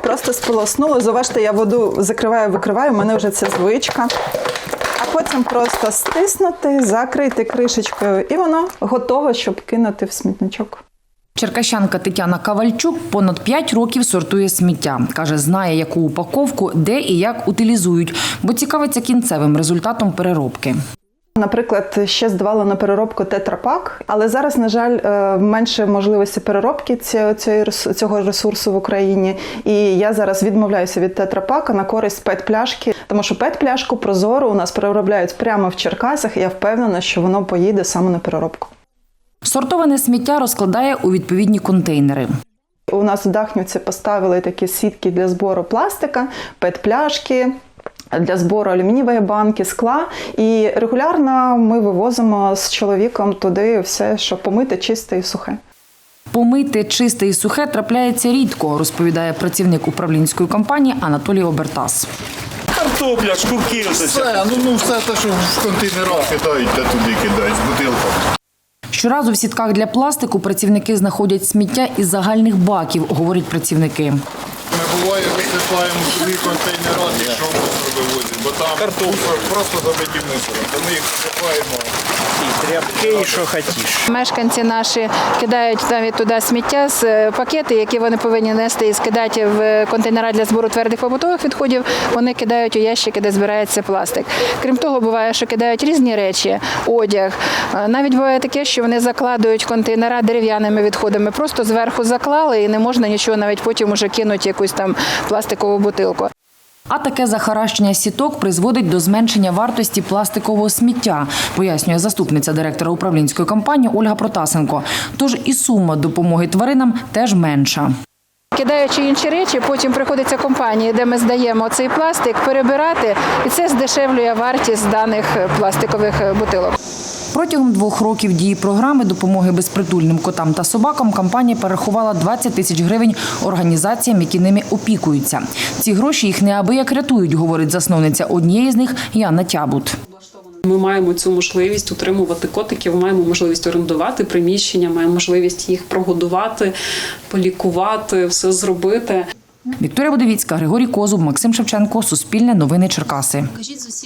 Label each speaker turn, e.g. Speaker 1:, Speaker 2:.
Speaker 1: просто сполоснули. Зауважте, я воду закриваю, викриваю, у мене вже це звичка. А потім просто стиснути, закрити кришечкою, і воно готове, щоб кинути в смітничок.
Speaker 2: Черкащанка Тетяна Кавальчук понад 5 років сортує сміття. Каже, знає, яку упаковку, де і як утилізують, бо цікавиться кінцевим результатом переробки.
Speaker 1: Наприклад, ще здавала на переробку тетрапак, але зараз, на жаль, менше можливості переробки цього ресурсу в Україні. І я зараз відмовляюся від тетрапака на користь пет-пляшки, тому що пет-пляшку прозору у нас переробляють прямо в Черкасах, і я впевнена, що воно поїде саме на переробку.
Speaker 2: Сортоване сміття розкладає у відповідні контейнери.
Speaker 1: У нас в Дахнівці поставили такі сітки для збору пластика, пет-пляшки, для збору алюмінієвої банки, скла. І регулярно ми вивозимо з чоловіком туди все, що помите, чисте і сухе.
Speaker 2: Помити, чисте і сухе трапляється рідко, розповідає працівник управлінської компанії Анатолій Обертас.
Speaker 3: Картопля, шкурки.
Speaker 4: Все те, що в контейнерах кидають, де туди кидають, з бутилками.
Speaker 2: Щоразу в сітках для пластику працівники знаходять сміття із загальних баків, говорять працівники.
Speaker 4: Ми буває висипаємо туди контейнера, якщо мусор вивозять, бо там мусор просто забиті мусором, то ми їх висипаємо.
Speaker 3: І тряпки, і що хочеш.
Speaker 5: Мешканці наші кидають навіть туди сміття з пакети, які вони повинні нести і скидати в контейнери для збору твердих побутових відходів, вони кидають у ящики, де збирається пластик. Крім того, буває, що кидають різні речі, одяг. Навіть буває таке, що вони закладують контейнери дерев'яними відходами, просто зверху заклали і не можна нічого, навіть потім уже кинуть якусь там пластикову бутилку.
Speaker 2: А таке захаращення сіток призводить до зменшення вартості пластикового сміття, пояснює заступниця директора управлінської компанії Ольга Протасенко. Тож і сума допомоги тваринам теж менша.
Speaker 5: Кидаючи інші речі, потім приходиться компанії, де ми здаємо цей пластик, перебирати, і це здешевлює вартість даних пластикових бутилок.
Speaker 2: Протягом 2 років дії програми допомоги безпритульним котам та собакам компанія перерахувала 20 тисяч гривень організаціям, які ними опікуються. Ці гроші їх неабияк рятують, говорить засновниця однієї з них Яна Тябут.
Speaker 6: Ми маємо цю можливість утримувати котиків, маємо можливість орендувати приміщення, маємо можливість їх прогодувати, полікувати, все зробити.
Speaker 2: Вікторія Будовіцька, Григорій Козуб, Максим Шевченко, Суспільне новини Черкаси.